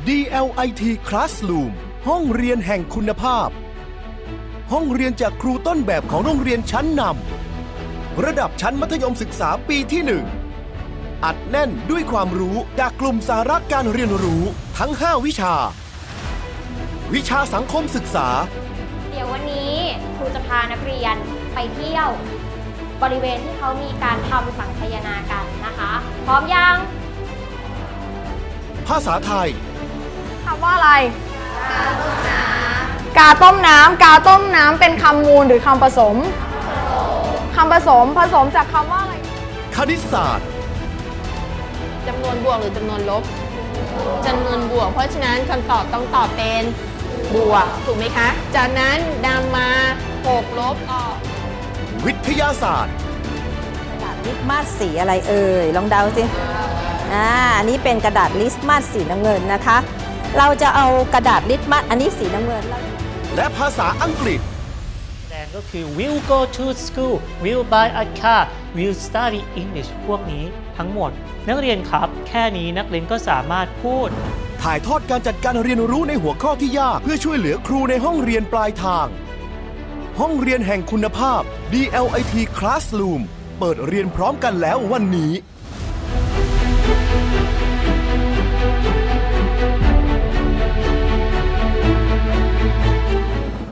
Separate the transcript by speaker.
Speaker 1: DLIT Classroom ห้องเรียนแห่งคุณภาพ ห้องเรียนจากครูต้นแบบของโรงเรียนชั้นนำระดับชั้นมัธยมศึกษาปีที่ 1 อัดแน่นด้วยความรู้จากกลุ่มสาระการเรียนรู้ทั้ง 5 วิชา วิชาสังคมศึกษา
Speaker 2: เดี๋ยววันนี้ครูจะพานักเรียนไปเที่ยวบริเวณที่เขามีการทำสังคายนากันนะคะ พร้อมยัง
Speaker 1: ภาษาไทย
Speaker 3: คำว่าอะไร กาต้มน้ำ กาต้มน้ำเป็นคำมูลหรือคำผสม คำผสม ผสมจากคำว่าอะไร
Speaker 1: คณิตศาสตร์
Speaker 4: จำนวนบวกหรือจำนวนลบจำนวนบวก เพราะฉะนั้นคำตอบต้องตอบเป็นบวกถูกไหมคะ จากนั้นนำมา6ลบออก
Speaker 1: วิทยาศาสตร์
Speaker 5: กระดาษลิสมัสสีอะไรเอ่ยลองเดาสิอันนี้เป็นกระดาษลิสมัสสีน้ำเงินนะคะ เราจะเอากระดาษลิสมัสอันนี้สีน้ำเงิน
Speaker 1: และภาษาอังกฤษ
Speaker 6: แสดงก็คือ will go to school will buy a car will study English พวกนี้ทั้งหมด นักเรียนครับ แค่นี้นักเรียนก็สามารถพูด
Speaker 1: ถ่ายทอดการจัดการเรียนรู้ในหัวข้อที่ยากเพื่อช่วยเหลือครูในห้องเรียนปลายทาง ห้องเรียนแห่งคุณภาพ DLIT Classroom เปิดเรียนพร้อมกันแล้ววันนี้